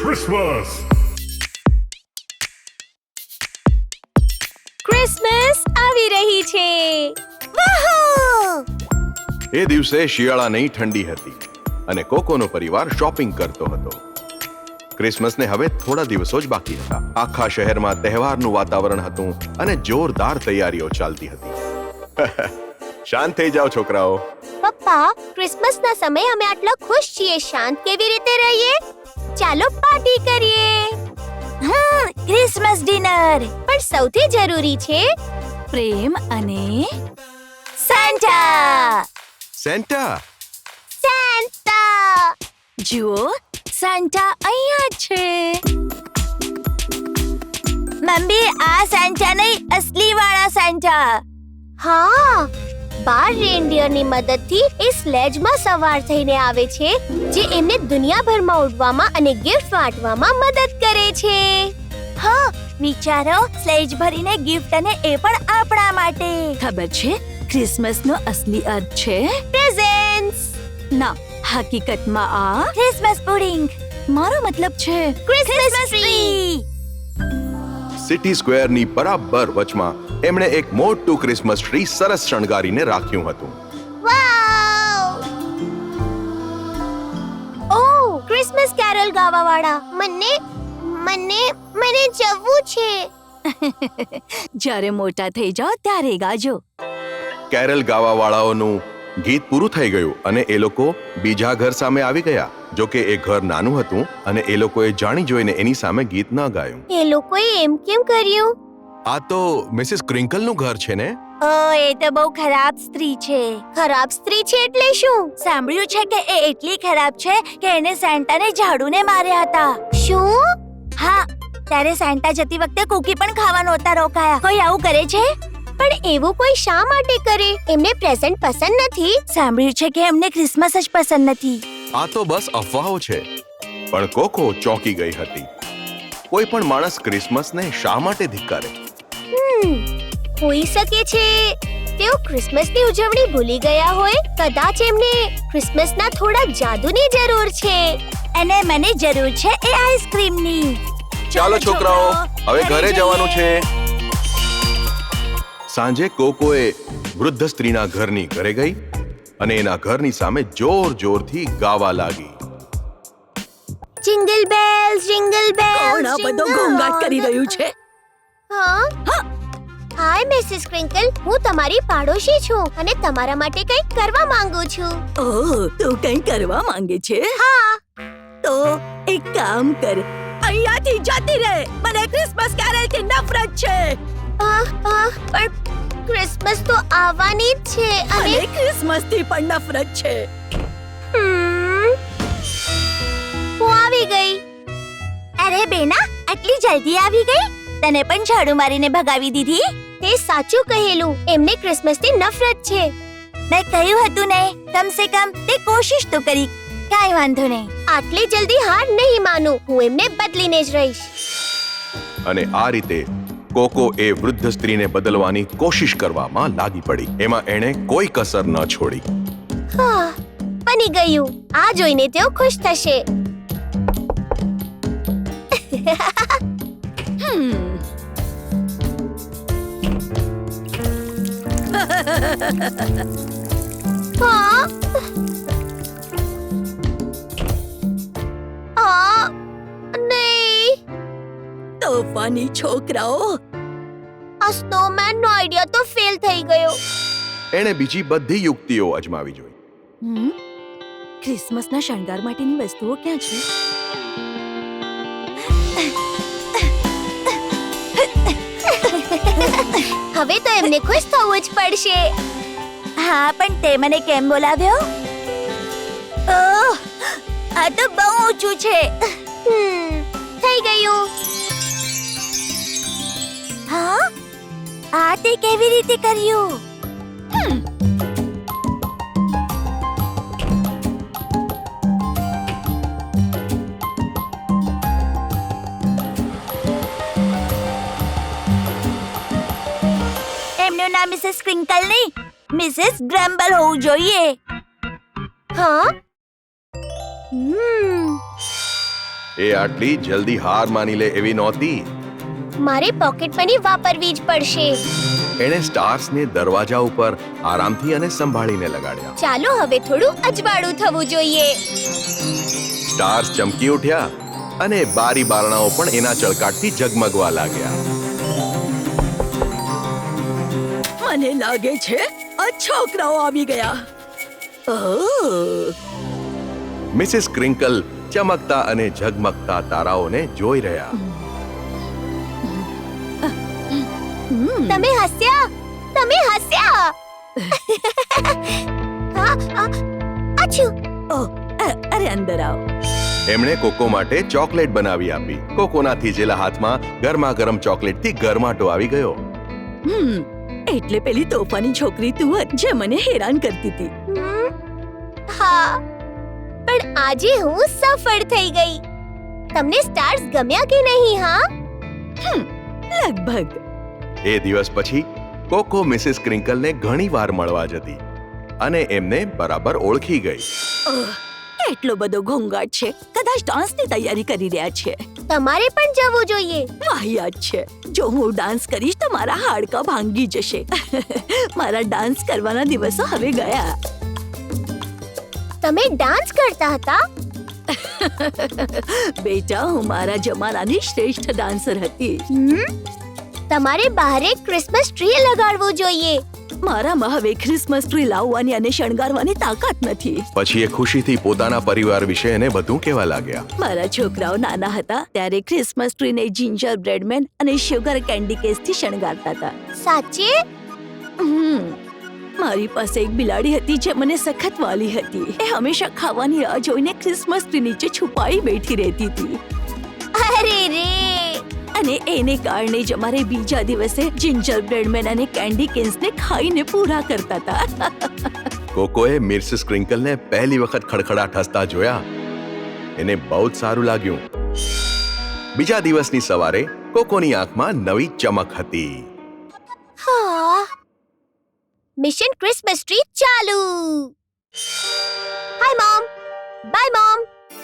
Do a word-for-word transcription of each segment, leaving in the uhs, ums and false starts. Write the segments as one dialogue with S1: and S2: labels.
S1: Christmas!
S2: Christmas આવી રહી છે.
S3: એ દિવસે શિયાળાની ઠંડી હતી અને કોકોનો પરિવાર શોપિંગ કરતો હતો. ક્રિસમસને હવે થોડા દિવસો જ બાકી હતા. આખા શહેરમાં તહેવારનું વાતાવરણ હતું અને જોરદાર તૈયારીઓ ચાલતી હતી. શાંત થઈ જાઓ છોકરાઓ.
S2: પપ્પા, ક્રિસમસના સમયે અમે આટલા ખુશ છીએ. શાંત કેવી રીતે રહીએ? ચાલો પાર્ટી કરીએ.
S4: Hmm Christmas dinner.
S2: પણ સૌથી જરૂરી છે
S4: પ્રેમ અને સાન્ટા.
S3: સેન્ટા.
S2: સેન્ટા.
S4: જુઓ, સાન્ટા અહીંયા છે. મમ્મી, આ સાન્ટા નહીં, અસલી વાળા સાન્ટા.
S2: હા, બાર રેનડિયરની મદદથી એ સ્લેજમાં સવાર થઈને આવે છે, જે એમને દુનિયાભરમાં ઉડવામાં અને ગિફ્ટ વાંટવામાં મદદ કરે છે.
S4: હા, વિચારો, સ્લેજ ભરીને ગિફ્ટ અને એ પણ આપણા માટે. ખબર છે, ક્રિસમસનો અસલી અર્થ છે
S2: પ્રેઝન્ટ્સ.
S4: ના, હકીકતમાં આ ક્રિસમસ પુડિંગ. મારો મતલબ છે
S2: ક્રિસમસ ટ્રી.
S3: સિટી સ્ક્વેરની બરાબર વચમાં એમણે એક મોટું ક્રિસમસ ટ્રી સરસ શણગારીને રાખ્યું હતું.
S2: વાવ! ઓહ, ક્રિસમસ કેરલ ગાવાવાળા. મને મને મને જવું છે.
S4: જ્યારે મોટા થઈ જાઓ ત્યારે ગાજો.
S3: કેરલ ગાવાવાળાઓનું ગીત પૂરું થઈ ગયું અને એ લોકો બીજા ઘર સામે આવી ગયા. જો કે એ ઘર નાનું હતું અને એ લોકોએ જાણી જોઈને એની સામે ગીત ન ગાયું.
S2: એ લોકોએ એમ કેમ કર્યું?
S3: આ તો મિસિસ ક્રિંકલનું ઘર છે ને?
S4: ઓ, એ તો બહુ ખરાબ સ્ત્રી છે.
S2: ખરાબ સ્ત્રી છે એટલે શું?
S4: સાંભળ્યું છે કે એ એટલી ખરાબ છે કે એને સેન્ટાને ઝાડુને માર્યા હતા.
S2: શું?
S4: હા, ત્યારે સેન્ટા જતી વખતે કૂકી પણ ખાવા નહોતા રોકાયા. કોઈ આવું કરે છે?
S2: પણ એવું કોઈ શા માટે કરે? એમને પ્રેઝન્ટ પસંદ નથી?
S4: સાંભળ્યું છે કે એમને ક્રિસમસ જ પસંદ નથી.
S3: આ તો બસ અફવાઓ છે. પણ કોકો ચોંકી ગઈ હતી. કોઈ પણ માણસ ક્રિસમસને શા માટે ધિક્કારે?
S2: હમ, હોઈ શકે છે તેઓ ક્રિસમસની ઉજવણી ભૂલી ગયા હોય. કદાચ એમને ક્રિસમસના થોડા જાદુની જરૂર છે.
S4: અને મને જરૂર છે એ આઈસ્ક્રીમની.
S3: ચાલો છોકરાઓ, હવે ઘરે જવાનું છે. સાંજે કોકોએ વૃદ્ધ સ્ત્રીના ઘરની ઘરે ગઈ અને એના ઘરની સામે જોર જોરથી ગાવા લાગી.
S2: Jingle bells, jingle bells.
S4: કોણ આ બધો ઘોંઘાટ કરી રહ્યું છે?
S2: હા? હાય મિસિસ ક્રિંકલ, હું તમારી પાડોશી છું અને તમારા માટે કંઈક કરવા માંગુ છું.
S4: ઓહ, તું કંઈ કરવા માંગે છે?
S2: હા.
S4: તો એક કામ કર, અહીંયાથી જતી રહે. મને ક્રિસમસ કેરલથી નફરત છે.
S2: આહ, આહ, પણ ક્રિસમસ તો આવવાની જ છે અને
S4: મને ક્રિસમસથી પણ નફરત છે.
S2: હમ, હું આવી ગઈ.
S4: અરે બેના, આટલી જલ્દી આવી ગઈ? તને પણ ઝાડુ મારીને ભગાવી દીધી?
S2: તે સાચું કહેલું. એમને ક્રિસમસથી નફરત છે.
S4: મેં કહ્યું હતું ને, કમ સે કમ તે કોશિશ તો કરી. કાંઈ વાંધો નહીં.
S2: આટલી જલ્દી હાર નહીં માનું. હું એમને બદલીને જ રહીશ.
S3: અને આ રીતે કોકો એ વૃદ્ધ સ્ત્રીને બદલવાની કોશિશ કરવામાં લાગી પડી. એમાં એણે કોઈ કસર ન છોડી.
S2: હા, બની ગયું. આ જોઈને તેઓ ખુશ થશે.
S4: હમ.
S2: હા? આ નહીં.
S4: તોફાની છોકરાઓ.
S2: આ સ્નોમેનનો આઈડિયા તો ફેલ થઈ ગયો.
S3: એણે બીજી બધી યુક્તિઓ અજમાવી જોઈ.
S4: હમ? ક્રિસમસના શણગાર માટેની વસ્તુઓ ક્યાં છે?
S2: હવે તો એમને ખુશ થવું જ પડશે.
S4: હા, પણ તે મને કેમ બોલાવ્યો? ઓહ, આ તો બહુ ઊંચું છે.
S2: હમ, થઈ ગયું.
S4: હા, આ તે કેવી રીતે કર્યું? હમ. એમનું નામ મિસિસ ક્રિંકલ નહીં, મિસિસ ગ્રમ્બલ હોવું જોઈએ.
S2: હા? હમ,
S3: એ આટલી જલ્દી હાર માની લે એવી નહોતી.
S2: મારે પોકેટ મની વાપરવી જ પડશે.
S3: એણે સ્ટાર્સને દરવાજા ઉપર આરામથી અને સંભાળીને લગાડ્યા.
S2: ચાલો હવે થોડું અજવાળું થવું જોઈએ.
S3: સ્ટાર્સ ચમકી ઉઠ્યા અને બારી બારણાઓ પણ એના ચળકાટથી ઝગમગવા લાગ્યા.
S4: મને લાગે છે આ છોકરાઓ આવી ગયા. ઓહ,
S3: મિસિસ ક્રિંકલ ચમકતા અને ઝગમગતા તારાઓને જોઈ રહ્યા.
S2: તમે હસ્યા તમે હસ્યા હા, આ, અચ્છુ.
S4: ઓહ, અ- અરે અંદર આવો.
S3: એમણે કોકો માટે ચોકલેટ બનાવી આપી. કોકોના થીજેલા હાથમાં ગરમા ગરમ ચોકલેટથી ગરમાટો આવી ગયો.
S4: હમ એટલે પેલી તોફાની છોકરી તું જ જે મને હેરાન કરતી હતી.
S2: હમ, હા, પણ આજે હું સફળ થઈ ગઈ. તમને સ્ટાર્સ ગમ્યા કે નહીં? હા,
S4: લગભગ.
S3: એ દિવસ પછી કોકો મિસિસ ક્રિંકલને ઘણી વાર મળવા જતી અને એમને બરાબર ઓળખી ગઈ.
S4: ઓહ, કેટલો બધો ઘોંઘાટ છે. કદાચ ડાન્સની તૈયારી કરી રહ્યા છે.
S2: તમારે પણ જવું જોઈએ.
S4: વાહિયાત છે. જો હું ડાન્સ કરીશ તો મારા હાડકાં ભાંગી જશે. મારા ડાન્સ કરવાના દિવસો હવે ગયા.
S2: તમે ડાન્સ કરતા હતા?
S4: બેટા, હું મારા જમાનાની શ્રેષ્ઠ ડાન્સર હતી.
S2: હમ, તમારે બહાર એક ક્રિસમસ ટ્રી લગાડવું જોઈએ.
S4: મારામાં હવે ક્રિસમસ ટ્રી લાવવાની અને શણગારવાની તાકાત નથી.
S3: પછી એ ખુશીથી પોતાના પરિવાર વિશે એને બધું કહેવા લાગ્યા.
S4: મારા છોકરાઓ નાના હતા ત્યારે ક્રિસમસ ટ્રીને જિંજર બ્રેડમેન અને શુગર કેન્ડી કેસથી શણગારતા હતા.
S2: સાચે?
S4: હમ. મારી પાસે એક બિલાડી હતી જે મને સખત વાલી હતી. એ હંમેશા ખાવાની રાહ જોઈને ક્રિસમસ ટ્રી નીચે છુપાઈ બેઠી રહેતી હતી.
S2: અરે રે,
S4: અને એને કારણે જ અમારે બીજા દિવસે જિંજર બ્રેડમેન અને કેન્ડી કેન્સને ખાઈને પૂરા કરતા હતા.
S3: કોકોએ મિસિસ ક્રિંકલને પહેલી વખત ખડખડાટ હસતા જોયા. એને બહુ જ સારું લાગ્યું. બીજા દિવસની સવારે કોકોની આંખમાં નવી ચમક હતી.
S2: હા, મિશન ક્રિસમસ ટ્રી ચાલુ. Hi mom, bye mom.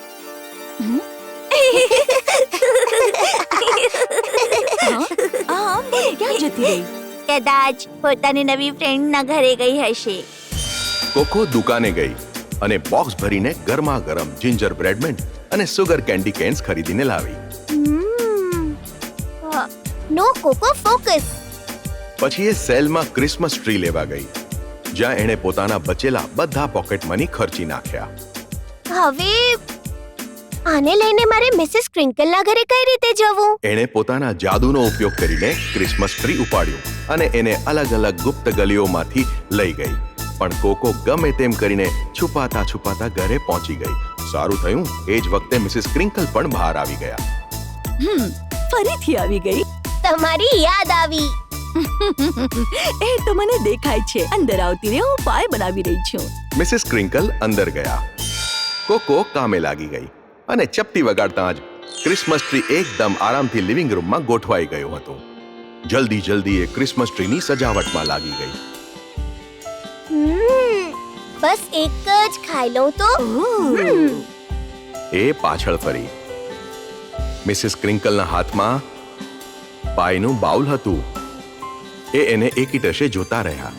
S4: હા, બોલ, ક્યાં જતી રહી?
S1: કદાચ પોતાની નવી ફ્રેન્ડના ઘરે ગઈ હશે.
S3: કોકો દુકાને ગઈ અને બોક્સ ભરીને ગરમા ગરમ જિંજર બ્રેડમેન અને સુગર કેન્ડી કેન્સ ખરીદીને લાવી.
S2: હમ, હા, નો કોકો ફોકસ.
S3: પછી એ સેલમાં ક્રિસમસ ટ્રી લેવા ગઈ, જ્યાં એણે પોતાના બચેલા બધા પોકેટ મની ખર્ચી નાખ્યા.
S2: હવે આને લઈને મારે મિસિસ ક્રિંકલના ઘરે કઈ રીતે જવું?
S3: એણે પોતાના જાદુનો ઉપયોગ કરીને ક્રિસમસ ટ્રી ઉપાડ્યું અને એને અલગ અલગ ગુપ્ત ગલીઓમાંથી લઈ ગઈ. પણ કોકો ગમે તેમ કરીને છુપાતા છુપાતા ઘરે પહોંચી ગઈ. સારું થયું એ જ વખતે મિસિસ ક્રિંકલ પણ બહાર આવી ગયા.
S4: હમ ફરીથી આવી ગઈ.
S2: તમારી યાદ આવી.
S4: એ તો મને દેખાય છે. અંદર આવતી રહે, હું પાય બનાવી રહી છું.
S3: મિસિસ ક્રિંકલ અંદર ગયા. કોકો કામે લાગી ગઈ અને ચપટી વગાડતા જ ક્રિસમસ ટ્રી એકદમ આરામથી લિવિંગ રૂમમાં ગોઠવાઈ ગયું હતું. જલ્દી જલ્દી એ ક્રિસમસ ટ્રીની સજાવટમાં લાગી ગઈ.
S2: હમ, બસ એક જ ખાઈ લઉં તો. હમ,
S3: એ પાછળ ફરી. મિસિસ ક્રિંકલના હાથમાં પાયનું બાઉલ હતું. એ એને એકીટશે જોતા રહ્યા.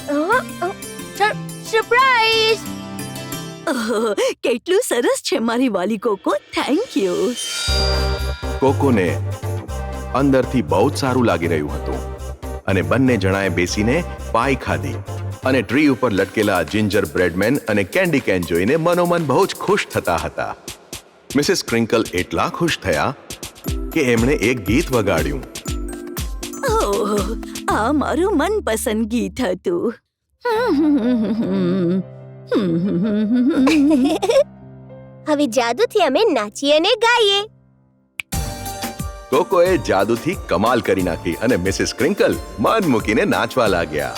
S2: સરપ્રાઈઝ!
S4: ઓહ, કેટલું સરસ છે મારી વાલી કોકો. Thank you.
S3: કોકોને અંદરથી બહુ જ સારું લાગી રહ્યું હતું અને બંને જણાએ બેસીને પાઈ ખાધી અને ટ્રી ઉપર લટકેલા જિંજર બ્રેડમેન અને કેન્ડી કેન જોઈને મનોમન બહુ જ ખુશ થતા હતા. મિસિસ ક્રિંકલ એટલા ખુશ થયા કે એમણે એક ગીત વગાડ્યું.
S4: ઓહ, આ મારું મનપસંદ ગીત હતું.
S2: હવે જાદુથી અમે નાચીએ અને ગાઈએ.
S3: કોકોએ જાદુથી કમાલ કરી નાખી અને મિસિસ ક્રિંકલ મન મૂકીને નાચવા લાગ્યા.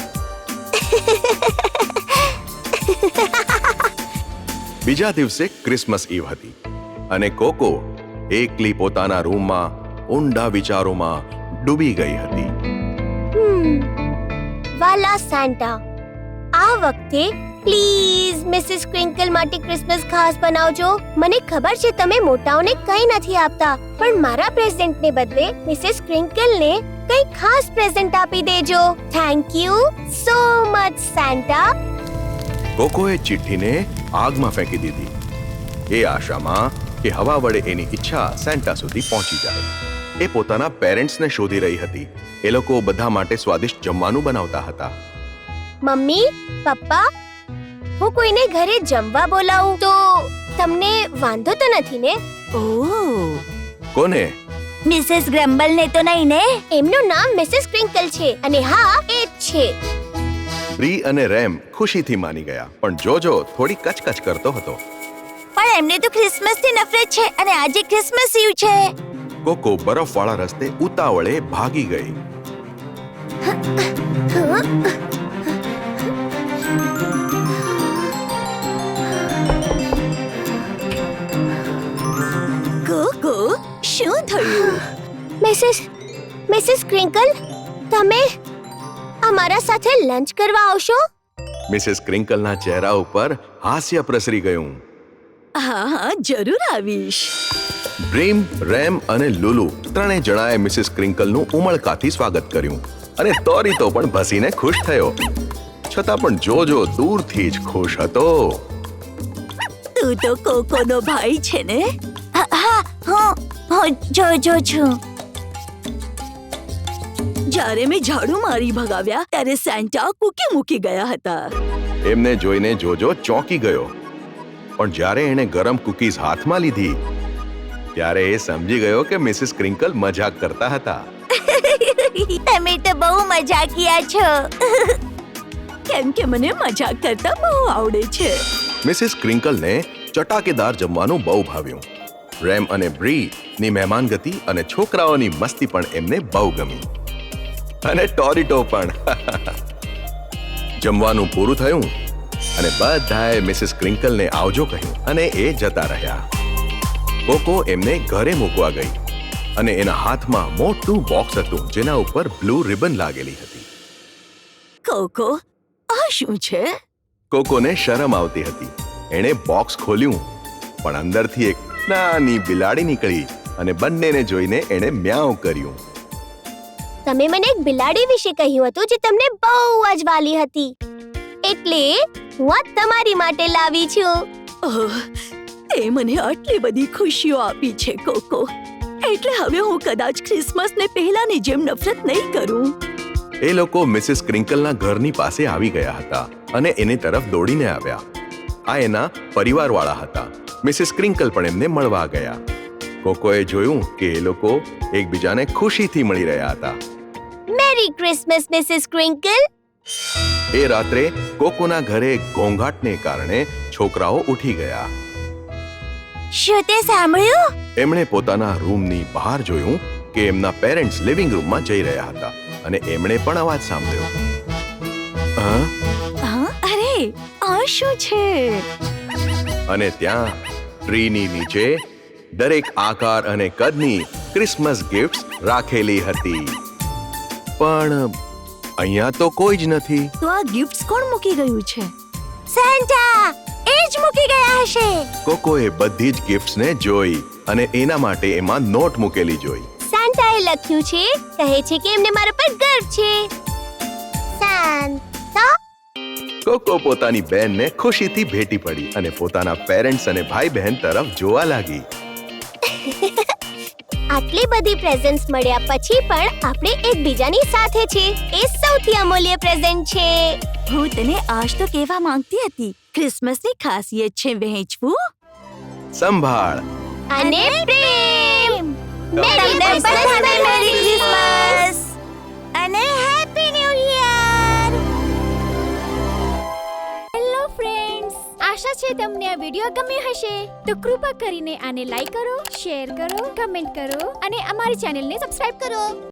S3: બીજા દિવસે ક્રિસમસ ઈવ હતી અને કોકો એકલી પોતાના રૂમમાં ઊંડા વિચારોમાં ડૂબી ગઈ હતી.
S2: હમ, વાલા સાન્ટા, આ વખતે પ્લીઝ મિસિસ ક્વિંકલ માટે ક્રિસમસ ખાસ બનાવજો. મને ખબર છે તમે મોટાઓને કંઈ નથી આપતા, પણ મારા પ્રેઝન્ટને બદલે મિસિસ ક્વિંકલને કંઈ ખાસ પ્રેઝન્ટ આપી દેજો. Thank you so much Santa.
S3: કોકોએ ચિઠ્ઠીને આગમાં ફેંકી દીધી, એ આશામાં કે હવા વડે એની ઈચ્છા સેન્ટા સુધી પહોંચી જાય. એ પોતાના પેરેન્ટ્સને શોધી રહી હતી. એ લોકો બધા માટે સ્વાદિષ્ટ જમવાનું બનાવતા હતા.
S2: મમ્મી, પપ્પા, હું કોઈને ઘરે જમવા બોલાવું તો તમને વાંધો તો નથી ને?
S4: ઓહ,
S3: કોને?
S1: મિસેસ ગ્રમ્બલ ને તો નહીં ને?
S2: એમનું નામ મિસિસ ક્વિંકલ છે અને હા એ જ છે.
S3: બ્રી અને રેમ ખુશીથી માની ગયા, પણ જોજો થોડી કચકચ કરતો હતો.
S1: પણ એમને તો ક્રિસમસ થી નફરત છે અને આજે ક્રિસમસ ઈવ છે.
S3: કોકો બરફવાળા રસ્તે ઉતાવળે ભાગી ગઈ.
S4: કોકો, શું થયું?
S2: મિસિસ મિસિસ ક્વિંકલ, તમે અમારા સાથે લંચ કરવા આવશો?
S3: મિસેસ ક્રિંકલના ચહેરા ઉપર હાસ્ય પ્રસરી ગયું.
S4: હા હા, જરૂર આવીશ.
S3: ડ્રીમ, રેમ અને લુલુ ત્રણે જણાએ મિસિસ ક્રિંકલનું ઉમળકાથી સ્વાગત કર્યું અને તોરીતો પણ ભસીને ખુશ થયો. છતાં પણ જોજો દૂરથી જ ખુશ હતો.
S4: તું તો કોકોનો ભાઈ છે ને?
S1: હા હા, હું હું જોજો છું.
S4: જ્યારે મેં ઝાડુ મારી ભગાવ્યા ત્યારે સેન્ટા કૂકી મૂકી ગયા હતા.
S3: એમને જોઈને જોજો ચોંકી ગયો, પણ જ્યારે એણે ગરમ કૂકીઝ હાથમાં લીધી ત્યારે એ સમજી ગયો કે મિસિસ ક્રિંકલ મજાક કરતા હતા.
S1: તમે તો બહુ મજાકિયા છો.
S4: કેમ કે મને મજાક કરતા બહુ આવડે છે.
S3: મિસિસ ક્રિંકલને ચટાકેદાર જમવાનું બહુ ભાવ્યું. રેમ અને બ્રી ની મહેમાનગતિ અને છોકરાઓની મસ્તી પણ એમને બહુ ગમી, અને ટોરીટો પણ. જમવાનું પૂરું થયું અને બધાએ મિસિસ ક્રિંકલને આવજો કહ્યું અને એ જતા રહ્યા. કોકો એમને ઘરે મૂકવા ગઈ અને એના હાથમાં મોટું બોક્સ હતું જેના ઉપર બ્લુ રિબન લાગેલી હતી.
S4: કોકો, આ શું છે?
S3: કોકોને શરમ આવતી હતી. એણે બોક્સ ખોલ્યું, પણ અંદરથી એક નાની બિલાડી નીકળી અને બંનેને જોઈને એણે મ્યાઉ કર્યું.
S2: તમે મને એક બિલાડી વિશે કહ્યું હતું જે તમને બહુ જ વાલી હતી, એટલે હું આ તમારી માટે લાવી છું.
S4: ઓહ, તે મને આટલી બધી ખુશીઓ આપી છે કોકો, એટલે હવે હું કદાચ ક્રિસમસને પહેલાની જેમ નફરત નહીં કરું.
S3: એ લોકો મિસિસ ક્રિંકલના ઘરની પાસે આવી ગયા હતા અને એની તરફ દોડીને આવ્યા. આ એના પરિવારવાળા હતા. મિસિસ ક્રિંકલ પણ એમને મળવા ગયા. કોકોએ જોયું કે એ લોકો એકબીજાને ખુશીથી મળી રહ્યા હતા.
S2: Merry Christmas Mrs ક્વિંકલ.
S3: એ રાત્રે કોકોના ઘરે ઘોંઘાટને કારણે છોકરાઓ ઉઠી ગયા.
S1: શું તે સાંભળ્યું?
S3: એમણે પોતાના રૂમની બહાર જોયું કે એમના પેરેન્ટ્સ લિવિંગ રૂમમાં જઈ રહ્યા હતા અને એમણે પણ અવાજ સાંભળ્યો. હા?
S4: હા, અરે આ શું છે?
S3: અને ત્યાં ટ્રીની નીચે દરેક આકાર અને કદની ક્રિસમસ ગિફ્ટ્સ રાખેલી હતી. પણ અહીંયા તો કોઈ જ નથી.
S4: તો આ ગિફ્ટ્સ કોણ મૂકી ગયું છે?
S1: સેન્ટા એ જ મૂકી ગયા હશે.
S3: કોકોએ બધી જ ગિફ્ટ્સને જોઈ અને એના માટે એમાં નોટ મૂકેલી જોઈ.
S2: સેન્ટાએ લખ્યું છે, કહે છે કે એમને મારા પર ગર્વ છે. સેન્ટા.
S3: કોકો પોતાની બહેનને ખુશીથી ભેટી પડી અને પોતાના પેરેન્ટ્સ અને ભાઈ બહેન તરફ જોવા લાગી.
S2: આટલી બધી પ્રેઝન્ટ્સ મળ્યા પછી પણ આપણે એકબીજાની સાથે છે, એ સૌથી અમૂલ્ય પ્રેઝન્ટ છે.
S4: હું તને આજ તો કહેવા માંગતી હતી, ક્રિસમસની ખાસિયત છે વહેંચવું,
S3: સંભાળ
S2: અને પ્રેમ.
S1: તમને બધાને મેરી ક્રિસમસ અને happy new year.
S5: Hello friends, આશા છે તમને આ વિડિયો ગમ્યો હશે. તો કૃપા કરીને આને લાઈક કરો, શેર કરો, કમેન્ટ કરો અને અમારી ચેનલને સબસ્ક્રાઇબ કરો.